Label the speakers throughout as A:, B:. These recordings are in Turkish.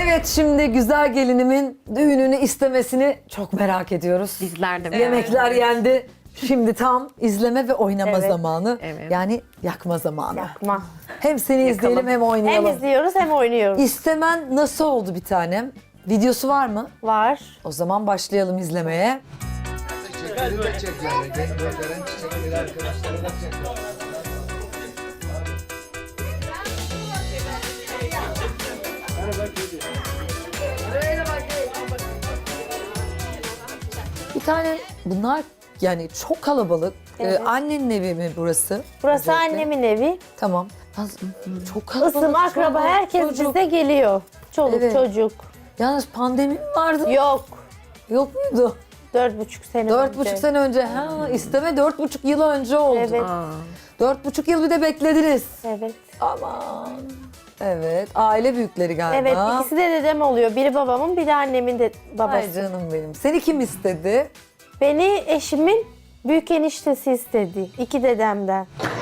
A: Evet, şimdi güzel gelinimin düğününü istemesini çok merak ediyoruz.
B: Bizler de.
A: Yemekler yendi. Şimdi tam izleme ve oynama
C: Evet.
A: zamanı.
B: Evet.
A: Yani yakma zamanı.
C: Yakma.
A: Hem seni izleyelim hem
C: Hem
A: oynayalım.
C: izliyoruz hem oynuyoruz.
A: İstemen nasıl oldu bir tanem? Videosu var mı?
C: Var.
A: O zaman başlayalım izlemeye.
D: Çiçekleri de çek yani. Gönderen çiçekleri arkadaşlara da çek.
A: Bir tane bunlar yani çok kalabalık.
C: Evet.
A: Annenin evi mi burası?
C: Burası
A: Öncelikle.
C: annemin evi.
A: Tamam. Yalnız çok kalabalık.
C: Isım, akraba,
A: çoluk,
C: herkes
A: çocuk.
C: bize geliyor. Çoluk
A: Evet.
C: çocuk.
A: Yalnız pandemi mi vardı?
C: Yok.
A: Yok muydu?
C: 4,5 sene
A: 4,5
C: önce.
A: sene önce. Ha, isteme 4,5 yıl önce oldu.
C: Evet.
A: 4,5 yıl bir de beklediniz.
C: Evet.
A: Aman. Evet. Aile büyükleri galiba.
C: Evet, ikisi de dedem oluyor. Biri babamın, biri annemin de
A: Ay
C: babası.
A: canım benim. Seni kim istedi?
C: Beni eşimin büyük eniştesi istedi. 2 dedemden.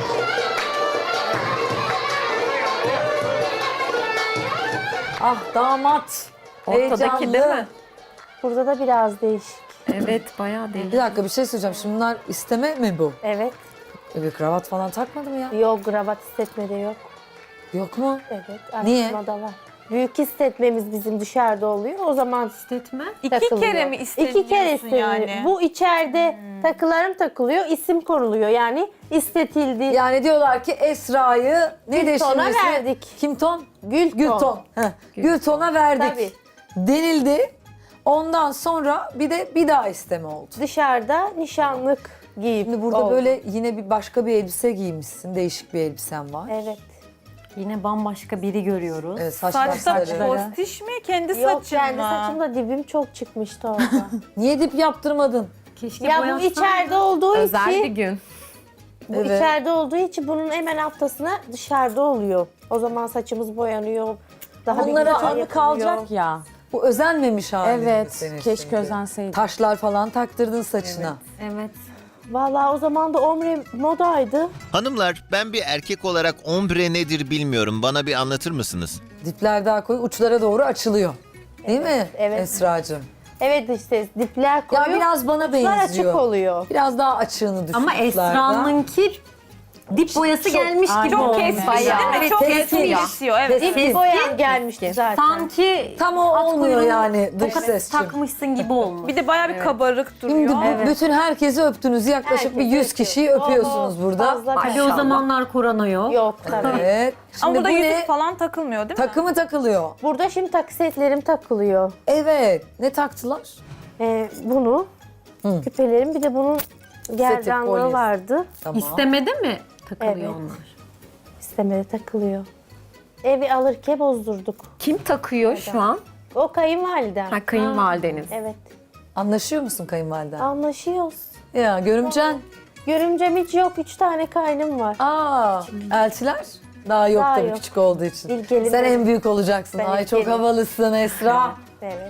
A: Ah damat.
B: Ortadaki değil mi?
C: Burada da biraz değişik.
B: Evet, bayağı değil.
A: Bir dakika bir şey söyleyeceğim. Şimdi bunlar isteme mi bu?
C: Evet.
A: Bir kravat falan takmadı mı ya?
C: Yok, kravat hissetmede yok.
A: Yok mu?
C: Evet,
A: Niye?
C: araştırmada var. Büyük hissetmemiz bizim dışarıda oluyor. O zaman
B: İstetme.
E: İki
C: takılıyor.
E: kere mi isteniyorsun
C: 2 kere isteniyor.
E: yani?
C: Bu içeride takılarım takılıyor, isim konuluyor. Yani istetildi.
A: Yani diyorlar ki Esra'yı ne de
C: Gülton'a
A: şimdisi?
C: verdik.
A: Kim ton?
C: Gülton.
A: Gülton. Heh, Gülton'a verdik.
C: Tabii.
A: Denildi. Ondan sonra bir daha isteme oldu.
C: Dışarıda nişanlık giyip
A: Şimdi burada
C: oldu.
A: böyle yine bir başka bir elbise giymişsin. Değişik bir elbisen var.
C: Evet.
B: Yine bambaşka biri görüyoruz.
A: Evet, saç
E: Saçta
A: başları.
E: postiş mi? Kendi
C: Yok,
E: saçın
C: kendi
E: mı?
C: saçımda dibim çok çıkmıştı orada.
A: Niye dip yaptırmadın?
B: Keşke
C: Ya bu
B: boyatsan.
C: içeride olduğu
B: Özel bir
C: için,
B: gün.
C: bu
A: Evet.
C: içeride olduğu için bunun hemen haftasına dışarıda oluyor. O zaman saçımız boyanıyor. Daha bir
A: Bunlara
C: güzel
A: anı
C: yapılıyor.
F: kalacak ya.
A: Bu özenmemiş halin mi
F: Evet,
A: senin
F: keşke
A: şimdi?
F: özenseydi.
A: Taşlar falan taktırdın saçına.
B: Evet.
C: Vallahi o zaman da omre modaydı.
G: Hanımlar, ben bir erkek olarak ombre nedir bilmiyorum. Bana bir anlatır mısınız?
A: Dipler daha koyu, uçlara doğru açılıyor. Değil mi
C: evet.
A: Esra'cığım?
C: Evet, işte dipler koyu.
A: Ya biraz bana
C: uçlar
A: benziyor.
C: açık oluyor.
A: Biraz daha açığını düşün
B: Ama
A: uçlarda.
B: Esra'nınki dip boyası gelmiş gibi
E: Çok
B: olmuş.
E: kesmiş
B: Bayağı.
E: değil mi?
B: Evet,
E: Çok
B: kesmiş.
E: kesiyor. Evet.
C: Dip boyan gelmişti zaten.
B: Sanki
A: Tam o
B: at
A: olmuyor
B: kuyruğunu
A: yani dış
B: tokat
A: sesçim.
B: takmışsın gibi olmuş.
E: Bir de bayağı bir kabarık
A: Şimdi
E: duruyor.
A: bütün herkesi öptünüz. Yaklaşık bir 100 kişiyi öpüyorsunuz burada.
C: Fazla
B: Hadi o zamanlar korona yok.
C: Yok tabii.
A: Evet. Şimdi
E: Ama burada
A: bu
E: yüzük
A: ne?
E: falan takılmıyor değil mi?
A: Takımı takılıyor.
C: Burada şimdi takı setlerim takılıyor.
A: Evet. Ne taktılar?
C: Bunu,
A: Hı.
C: küpelerim, bir de bunun gerdanlığı
A: kolye.
C: vardı.
A: Tamam.
B: İstemede mi takılıyor
C: Evet.
B: onlar?
C: İstemede takılıyor. Evi alırken bozdurduk.
B: Kim takıyor şu an?
C: O kayınvalidem.
B: Ha, kayınvalideniz.
C: Evet.
A: Anlaşıyor musun kayınvaliden?
C: Anlaşıyoruz.
A: Ya görümcen.
C: Görümcem hiç yok. 3 tane kaynım var.
A: Aa, elçiler? Daha yok
C: Daha
A: tabii
C: yok.
A: küçük olduğu için.
C: İlk gelin
A: Sen
C: benim.
A: en büyük olacaksın.
C: Ben
A: Ay
C: ilk
A: çok
C: gelin.
A: havalısın Esra.
C: Evet.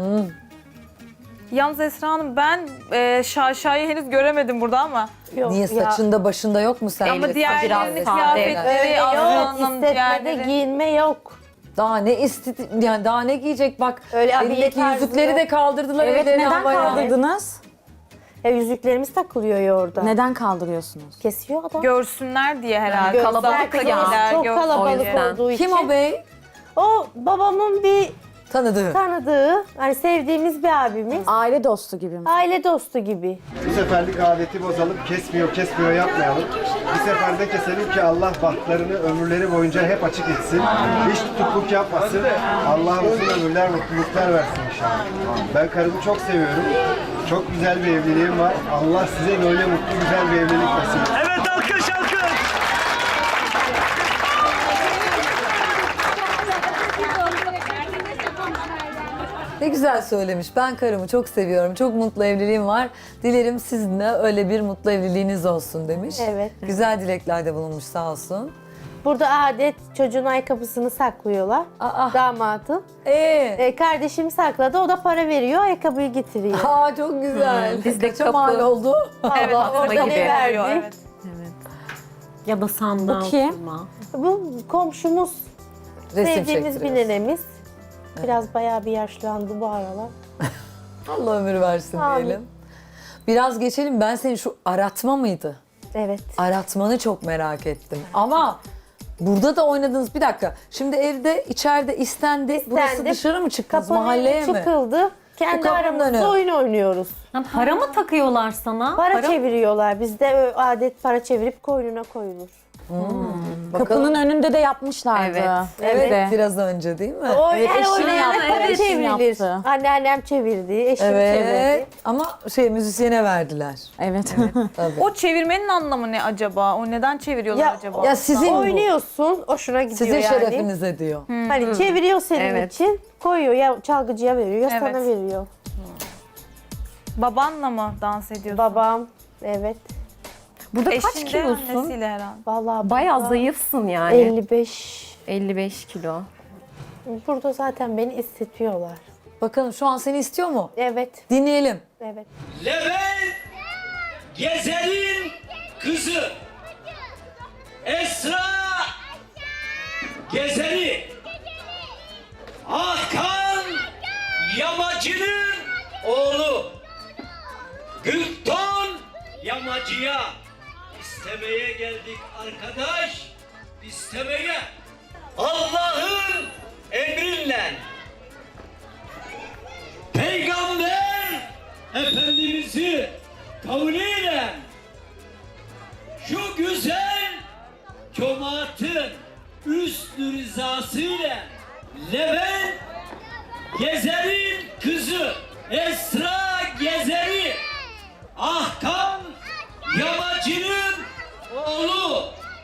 E: Yalnız Esra Hanım ben Şaşa'yı henüz göremedim burada ama.
C: Yok,
A: Niye
C: ya.
A: saçında başında yok mu sen?
E: Ama diğerlerinin
B: biraz
E: kıyafetleri,
C: Öyle yok.
E: Aslı'nın
C: İstetmede
E: diğerleri.
C: giyinme yok.
A: Daha ne yani daha ne giyecek bak.
C: Öyle abiye
A: Elindeki
C: tarzı
A: yüzükleri
C: yok.
A: de kaldırdılar.
F: Evet,
A: ellerini
F: neden
A: havaya.
F: kaldırdınız?
C: Yüzüklerimiz takılıyor ya orada.
F: Neden kaldırıyorsunuz?
C: Kesiyor adam.
E: Görsünler diye herhalde.
C: Gözler
E: Kalabalık
C: kızarız.
E: gelirler.
C: Çok
B: O
C: kalabalık
B: yüzden.
C: olduğu için.
A: Kim o bey?
C: O babamın bir
A: Tanıdığı.
C: tanıdığı, hani sevdiğimiz bir abimiz.
F: Aile dostu gibi mi?
C: Aile dostu gibi.
D: Bu seferlik adeti bozalım. Kesmiyor yapmayalım. Bir seferde keselim ki Allah bahtlarını ömürleri boyunca hep açık etsin. Hiç tutukluk yapmasın. Allah uzun ömürler, mutluluklar versin inşallah. Ben karımı çok seviyorum. Çok güzel bir evliliğim var. Allah size böyle mutlu güzel bir evlilik nasip etsin.
H: Evet, alkış alkış.
A: Ne güzel söylemiş. Ben karımı çok seviyorum. Çok mutlu evliliğim var. Dilerim sizin de öyle bir mutlu evliliğiniz olsun demiş.
C: Evet.
A: Güzel dileklerde bulunmuş sağ olsun.
C: Burada adet çocuğun ayakkabısını saklıyorlar.
A: Aa.
C: Damatın. Kardeşim sakladı. O da para veriyor. Ayakkabıyı getiriyor.
A: Aa çok güzel.
B: Biz de
A: Kaça
B: kapı-
A: mal oldu?
E: Evet,
C: Allah
E: aslında
C: orada
B: gibi.
C: ne verdi?
E: Evet.
B: Ya da sandal
F: Bu kim?
B: kurma.
C: Bu komşumuz.
A: Resim
C: Sevdiğimiz bir
A: çektiriyorsun.
C: nenemiz. Biraz bayağı bir yaşlandı bu aralar.
A: Allah ömür versin
C: Amin.
A: diyelim. Biraz geçelim. Ben senin şu aratma mıydı?
C: Evet.
A: Aratmanı çok merak ettim. Ama burada da oynadınız. Bir dakika. Şimdi evde, içeride istendi. Burası
C: İstendi.
A: dışarı mı çıktınız?
C: Kapının
A: Mahalleye
C: önü
A: mi?
C: çıkıldı. Kendi
A: kapının
C: aramızda
A: önü.
C: oyun oynuyoruz.
B: Ha, para mı takıyorlar sana?
C: Para çeviriyorlar. Bizde adet para çevirip koynuna koyulur.
F: Kapının önünde de yapmışlardı.
E: Evet.
A: Evet,
F: Evde.
A: biraz önce değil mi?
C: O
F: Evet,
C: her
F: eşim
C: oynayan
F: yaptı,
C: para
F: eşim
C: çevrilir.
F: yaptı.
C: Anneannem çevirdi, eşim
A: Evet.
C: çevirdi.
A: Ama müzisyene verdiler.
F: Evet.
A: Tabii.
E: O çevirmenin anlamı ne acaba? O neden çeviriyorlar
C: Ya,
E: acaba?
A: Ya sizin bu.
C: Oynuyorsun, hoşuna gidiyor
A: Sizin
C: yani.
A: şerefinize diyor.
C: Hani çeviriyor senin
E: Evet.
C: için, koyuyor ya çalgıcıya veriyor ya
E: Evet.
C: sana veriyor.
E: Babanla mı dans ediyorsun?
C: Babam, evet.
B: Burada kaç
E: Eşin de
B: kilosun?
E: annesiyle herhalde.
C: Vallahi
B: Bayağı
C: burada
B: zayıfsın yani.
C: 55.
B: 55 kilo.
C: Burada zaten beni istetiyorlar.
A: Bakalım şu an seni istiyor mu?
C: Evet,
A: Dinleyelim.
C: evet.
H: Levent Gezer'in kızı Esra Gezer'i Hakan Yamacı'nın oğlu Gülton Yamacı'ya istemeye geldik arkadaş, istemeye Allah'ın emriyle Peygamber Efendimiz'i kavliyle şu güzel cemaatin üst rızasıyla Levent Gezer'in kızı Esra Gezer'i Ahkam Yamacı'nın oğlu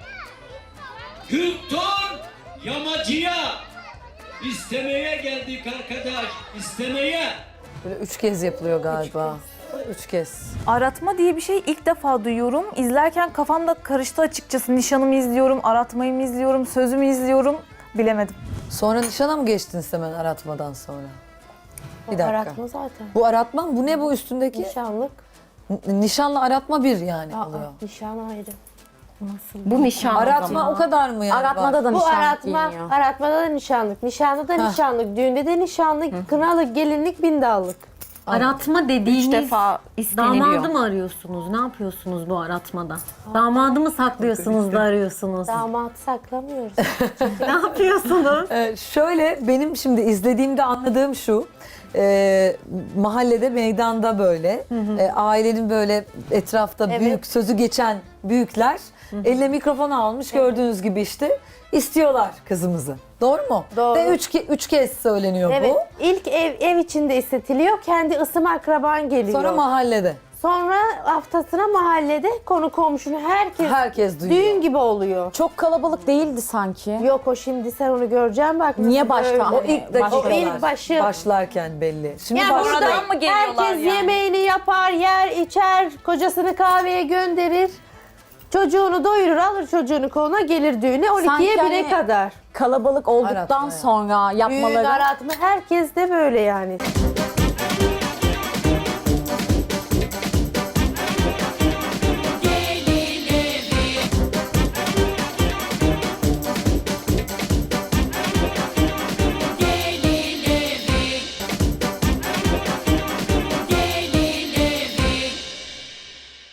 H: Gülton Yamacı'ya istemeye geldik arkadaş, istemeye.
A: Böyle 3 kez yapılıyor galiba. 3 kez.
E: Aratma diye bir şey ilk defa duyuyorum. İzlerken kafamda karıştı açıkçası. Nişanımı izliyorum, aratmayı mı izliyorum, sözümü izliyorum. Bilemedim.
A: Sonra nişana mı geçtiniz hemen aratmadan sonra? Bir dakika.
C: Aratma zaten.
A: Bu aratma mı? Bu ne bu üstündeki?
C: Nişanlık.
A: Nişanla aratma bir yani
C: Aa,
A: oluyor.
C: nişan ayrı.
B: Bu nişan o
A: Aratma
B: zaman.
A: o kadar mı yani?
F: Aratmada da
C: Bu
F: nişanlık
C: aratma,
F: giyiniyor.
C: aratmada da nişanlık, nişanda da nişanlık, düğünde de nişanlık, kınalık, gelinlik, bindallık.
B: Aratma dediğiniz
E: 3 defa isteniliyor.
B: damadı mı arıyorsunuz? Ne yapıyorsunuz bu aratmada? Damadı mı saklıyorsunuz da arıyorsunuz?
C: Damat saklamıyoruz.
B: Ne yapıyorsunuz?
A: Şöyle benim şimdi izlediğimde anladığım şu. Mahallede, meydanda böyle ailenin böyle etrafta
C: Evet.
A: büyük sözü geçen büyükler eline mikrofon almış gördüğünüz gibi işte istiyorlar kızımızı. Doğru mu?
C: Doğru.
A: Ve üç kez söyleniyor
C: Evet,
A: bu.
C: ilk ev içinde istetiliyor, kendi ısım akraban geliyor.
A: Sonra mahallede.
C: Sonra haftasına mahallede konu komşunu
A: Herkes duyuyor.
C: düğün gibi oluyor.
F: Çok kalabalık değildi sanki.
C: Yok o şimdi sen onu göreceksin bak.
F: Niye
C: nasıl
F: başka?
C: böyle.
A: O ilk dakikalar.
C: O ilk başı.
A: Başlarken belli. Şimdi
C: Yani
A: başladı.
C: burada
E: Sonradan mı geliyorlar
C: herkes
E: yani?
C: yemeğini yapar, yer, içer, kocasını kahveye gönderir. Çocuğunu doyurur, alır çocuğunu koluna, gelir düğüne 12'ye
F: Sanki
C: 1'e
F: hani-
C: kadar.
F: Kalabalık olduktan
A: Aratma yani.
F: sonra
C: Düğün,
F: yapmaları.
C: aratma herkes de böyle yani.